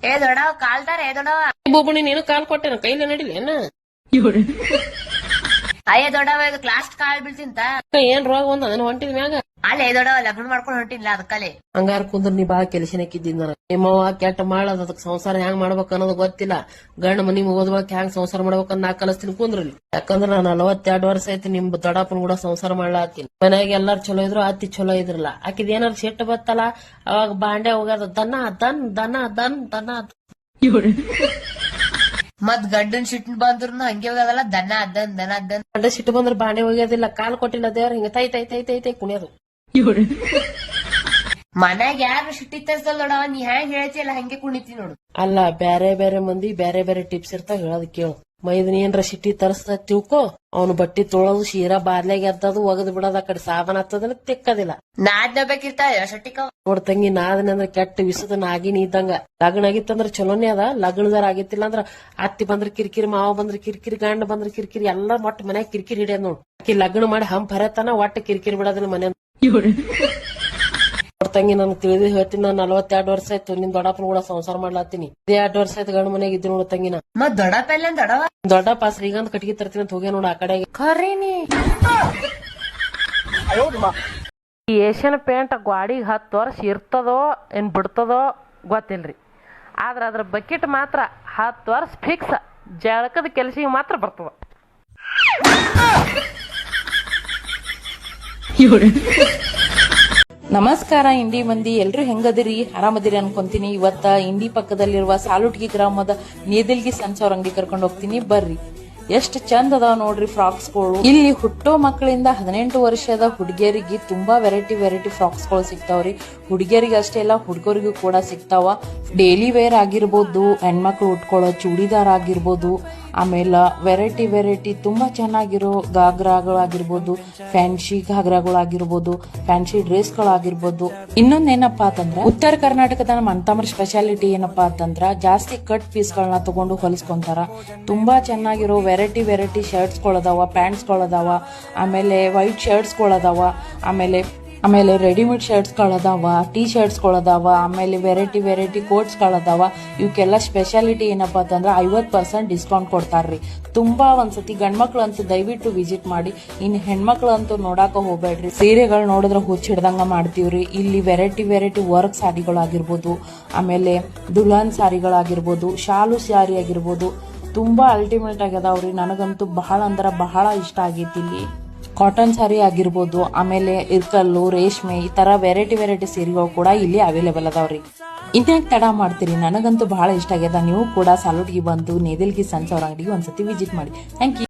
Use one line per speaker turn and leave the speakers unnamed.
ಏ ದೊಡ್ಡವ ಕಾಲ್ತಾರ ಏ ದೊಡ್ಡವ
ಬೋಬಣಿ ನೀನು ಕಾಲ್ ಕೊಟ್ಟೆನ ಕೈಲೇ ನಡಿಲಿ ಏನ
ಅಯ್ಯ ದೊಡ್ಡವ ಇದು ಕ್ಲಾಸ್ ಕಾಲ್ ಬೀಳ್ತಿಂತ
ಏನ್ ರೋಗ ಒಂದ ಅದನ್ನ ಹೊಂಟಿದ ಮ್ಯಾಗ
ಅಲ್ಲೇ ದೊಡ್ಡವ ಲಗ್ನ ಮಾಡ್ಕೊಂಡು ಹೊಂಟಿಲ್ಲ ಅದಕ್ಕಲೆ
ಹಂಗಾರ ಕುಂದ್ರ ನೀ ಬಾ ಕೆಲಸನಕ್ಕಿದ್ದೀನಿ ನಾನು ನಿಮ್ಮವ್ವ ಕೆಟ್ಟ ಮಾಡದ ಅದಕ್ ಸಂಸಾರ ಹೆಂಗ್ ಮಾಡ್ಬೇಕ ಅನ್ನೋದು ಗೊತ್ತಿಲ್ಲ ಗಂಡ ಮನಿ ಮುಗೋದ್ಬಳಕ್ ಹೆಂಗ್ ಸಂಸಾರ ಮಾಡ್ಬೇಕನ್ನ ನಾ ಕಲಿಸ್ತೀನಿ ಕುಂದ್ರಲ್ಲಿ ಯಾಕಂದ್ರ ನಾನು 42 ವರ್ಷ ಐತಿ ನಿಮ್ ದೊಡ್ಡಪ್ಪನ ಕೂಡ ಸಂಸಾರ ಮಾಡ್ಲಾತೀನಿ ಮನ್ಯಾಗ ಎಲ್ಲಾರು ಚಲೋ ಇದ್ರು ಅತ್ತಿ ಚಲೋ ಇದ್ರಲ್ಲ ಆಕಿದ್ ಏನಾರು ಸಿಟ್ಟು ಬತ್ತಲ್ಲ ಅವಾಗ ಬಾಂಡೆ ಹೋಗ್ಯದ ದನ
ಮತ್ ಗಂಡನ್ ಸಿಟ್ಟು ಬಂದ್ರು ಹಂಗೆ ಹೋಗದಲ್ಲ ದನ ಅದ್ದನ್
ಗಂಡ ಸಿಟ್ಟು ಬಂದ್ರ ಬಾಂಡೆ ಹೋಗ್ಯೋದಿಲ್ಲ ಕಾಲ್ ಕೊಟ್ಟಿಲ್ಲ ದೇವ್ರ ಹಿಂಗ ತೈ ತೈ ತೈ ತೈ ತೈ ಕುಣಿಯೋದು
ಮನ್ಯಾಗ ಯಾರು ಸಿಟ್ಟಿ ತರ್ಸಲ್ ದೊಡ್ಡವ ನೀ ಹೆಂಗ್ ಹೇಳ್ತಿಯಲ್ಲ ಹಂಗೆ ಕುಣಿತಿ ನೋಡು
ಅಲ್ಲ ಬ್ಯಾರೆ ಬ್ಯಾರೆ ಮಂದಿ ಬ್ಯಾರೆ ಬ್ಯಾರೆ ಟಿಪ್ಸ್ ಇರ್ತಾವ ಹೇಳೋದ್ ಕೇಳು ಮೈದನ್ ಏನ್ರ ಸಿಟ್ಟಿ ತರಸ್ತ ತಿಳ್ಕೊ ಅವ್ನು ಬಟ್ಟಿ ತೊಳೋದು ಶೀರಾ ಬಾರ್ಲೆಗ್ ಎದ್ದದು ಒಗದ್ ಬಿಡೋದ್ ಆ ಕಡೆ ಸಾಬನ್ ಹತ್ತದಲ್ಲ ತೆಕ್ಕದಿಲ್ಲ
ನಾದ್ನ ಬೇಕಿರ್ತಾವ ಶಟ್ಟಿಕ
ನೋಡ್ ತಂಗಿ ನಾದನೆ ಅಂದ್ರ ಕೆಟ್ಟ ವಿಸದ ನಾಗಿನಿ ಇದ್ದಂಗ ಲಗ್ನ ಆಗಿತ್ತಂದ್ರ ಚಲೋನೇ ಅದ ಲಗ್ನದಾರ ಆಗಿತ್ತಿಲ್ಲ ಅಂದ್ರ ಅತ್ತಿ ಬಂದ್ರ ಕಿರಿಕಿರಿ ಮಾವ ಬಂದ್ರ ಕಿರಿಕಿರಿ ಗಂಡ ಬಂದ್ರ ಕಿರಿಕಿರಿ ಎಲ್ಲಾ ಒಟ್ಟ ಮನ್ಯಾಗ ಕಿರಿಕಿರಿ ಹಿಡಿಯದ್ ನೋಡ್ ಆಕಿ ಲಗ್ನ ಮಾಡಿ ಹಂಪ್ ಹರತನ ಒಟ್ಟ ಕಿರಿಕಿರಿ ಬಿಡೋದಿಲ್ಲ ಮನೆ ತಂಗಿ ನನ್ ತಿಳಿದು ಹೇಳ್ತೀನಿ ನಾನು 42 ವರ್ಷ ಆಯ್ತು ನಿನ್ ದೊಡ್ಡಪ್ಪನ ಕೂಡ ಸಂಸಾರ ಮಾಡ್ಲಾತೀನಿ 2 ವರ್ಷ ಆಯ್ತು ಗಂಡ ಮನೆಯಾಗ ಇದ್ದೀನಿ ನೋಡ ತಂಗಿನ
ಮತ್ ದೊಡ್ಡಪ್ಪ ಎಲ್ಲ ದೊಡ್ಡವ
ದೊಡ್ಡಪ್ಪ ಶ್ರೀಗಂಧ ಕಟ್ಗಿ ತರ್ತೀನಿ ಅಂತ ಹೋಗ್ಯ ನೋಡ ಆ ಕಡೆ
ಖರೀನಿ
ಈ ಏಷ್ಯನ್ ಪೇಂಟ್ ಗಾಡಿಗೆ 10 ವರ್ಷ ಇರ್ತದೋ ಏನ್ ಬಿಡ್ತದೋ ಗೊತ್ತಿಲ್ರಿ ಆದ್ರ ಅದ್ರ ಬಕೆಟ್ ಮಾತ್ರ 10 ವರ್ಷ ಫಿಕ್ಸ್ ಜಳಕದ ಕೆಲಸಿಗೆ ಮಾತ್ರ ಬರ್ತದ
ನಮಸ್ಕಾರ ಇಂಡಿ ಮಂದಿ ಎಲ್ರು ಹೆಂಗದಿರಿ ಆರಾಮದಿರಿ ಅನ್ಕೊಂತೀನಿ ಇವತ್ತ ಇಂಡಿ ಪಕ್ಕದಲ್ಲಿರುವ ಸಾಲುಟ್ಗಿ ಗ್ರಾಮದ ನೇದಿಲ್ಗಿ ಸಂಚವ್ರ ಅಂಗಡಿ ಕರ್ಕೊಂಡು ಹೋಗ್ತೀನಿ ಬರ್ರಿ ಎಷ್ಟ್ ಚಂದ ಅದಾವ ನೋಡ್ರಿ ಫ್ರಾಕ್ಸ್ ಗಳು ಇಲ್ಲಿ ಹುಟ್ಟೋ ಮಕ್ಕಳಿಂದ 18 ವರ್ಷದ ಹುಡುಗಿಯರಿಗೆ ತುಂಬಾ ವೆರೈಟಿ ಫ್ರಾಕ್ಸ್ ಗಳು ಸಿಗ್ತಾವ್ರಿ ಹುಡುಗಿಯರಿಗೆ ಅಷ್ಟೇ ಅಲ್ಲ ಹುಡುಗರಿಗೂ ಕೂಡ ಸಿಗ್ತಾವ ಡೈಲಿ ವೇರ್ ಆಗಿರ್ಬೋದು ಹೆಣ್ಮಕ್ಳು ಉಟ್ಕೊಳ್ಳೋ ಚೂಡಿದಾರ್ ಆಗಿರ್ಬೋದು ಆಮೇಲೆ ವೆರೈಟಿ ತುಂಬಾ ಚೆನ್ನಾಗಿರೋ ಗಾಗ್ರಾಗಳಾಗಿರ್ಬೋದು ಫ್ಯಾನ್ಸಿ ಘಾಗ್ರಾಗಳಾಗಿರ್ಬೋದು ಫ್ಯಾನ್ಸಿ ಡ್ರೆಸ್ ಗಳಾಗಿರ್ಬೋದು ಇನ್ನೊಂದೇನಪ್ಪಾ ಅಂತಂದ್ರ ಉತ್ತರ ಕರ್ನಾಟಕದ ನಮ್ಮ ಅಂತಮರ್ ಸ್ಪೆಷಾಲಿಟಿ ಏನಪ್ಪಾ ಅಂತಂದ್ರ ಜಾಸ್ತಿ ಕಟ್ ಪೀಸ್ ಗಳನ್ನ ತಗೊಂಡು ಹೊಲಿಸ್ಕೊಂತಾರ ತುಂಬಾ ಚೆನ್ನಾಗಿರೋ ವೆರೈಟಿ ಶರ್ಟ್ಸ್ ಗಳದಾವ ಪ್ಯಾಂಟ್ಸ್ ಗಳದಾವ ಆಮೇಲೆ ವೈಟ್ ಶರ್ಟ್ಸ್ ಗಳದಾವ ಆಮೇಲೆ ರೆಡಿಮೇಡ್ ಶರ್ಟ್ಸ್ ಗಳದಾವ ಟೀ ಶರ್ಟ್ಸ್ ಗಳದಾವ ಆಮೇಲೆ ವೆರೈಟಿ ಕೋಟ್ಸ್ ಗಳದಾವ ಇವಕ್ಕೆಲ್ಲ ಸ್ಪೆಷಾಲಿಟಿ ಏನಪ್ಪಾ ಅಂತಂದ್ರ 50% ಡಿಸ್ಕೌಂಟ್ ಕೊಡ್ತಾರ್ರಿ ತುಂಬಾ ಒಂದ್ಸತಿ ಗಂಡ್ಮಕ್ಳು ಅಂತೂ ದಯವಿಟ್ಟು ವಿಸಿಟ್ ಮಾಡಿ ಇನ್ ಹೆಣ್ಮಕ್ಳು ಅಂತೂ ನೋಡಾಕ ಹೋಗ್ಬೇಡ್ರಿ ಸೀರೆಗಳು ನೋಡಿದ್ರೆ ಹುಚ್ಚ ಹಿಡ್ದಂಗ ಮಾಡ್ತೀವ್ರಿ ಇಲ್ಲಿ ವೆರೈಟಿ ವರ್ಕ್ ಸಾರಿಗಳಾಗಿರ್ಬೋದು ಆಮೇಲೆ ದುಲ್ಹನ್ ಸಾರಿಗಳಾಗಿರ್ಬೋದು ಶಾಲು ಸ್ಯಾರಿ ಆಗಿರ್ಬೋದು ತುಂಬಾ ಅಲ್ಟಿಮೇಟ್ ಆಗ್ಯದಾವ್ರಿ ನನಗಂತೂ ಬಹಳ ಅಂದ್ರ ಬಹಳ ಇಷ್ಟ ಆಗೈತಿ ಇಲ್ಲಿ ಕಾಟನ್ ಸಾರಿ ಆಗಿರ್ಬೋದು ಆಮೇಲೆ ಇರ್ಕಲ್ಲು ರೇಷ್ಮೆ ಈ ತರ ವೆರೈಟಿ ಸೀರೆಗಳು ಕೂಡ ಇಲ್ಲಿ ಅವೈಲೇಬಲ್ ಅದಾವ್ರಿ ಇನ್ಯಾಕ್ ತಡ ಮಾಡ್ತೀರಿ ನನಗಂತೂ ಬಹಳ ಇಷ್ಟ ಆಗ್ಯದ ನೀವು ಕೂಡ ಸಾಲುಟ್ಗಿ ಬಂದು ನೇದಿಲ್ಗಿ ಸಂಚವ್ರ ಅಂಗಡಿಗೆ ಒಂದ್ಸತಿ ವಿಸಿಟ್ ಮಾಡಿ ಥ್ಯಾಂಕ್ ಯು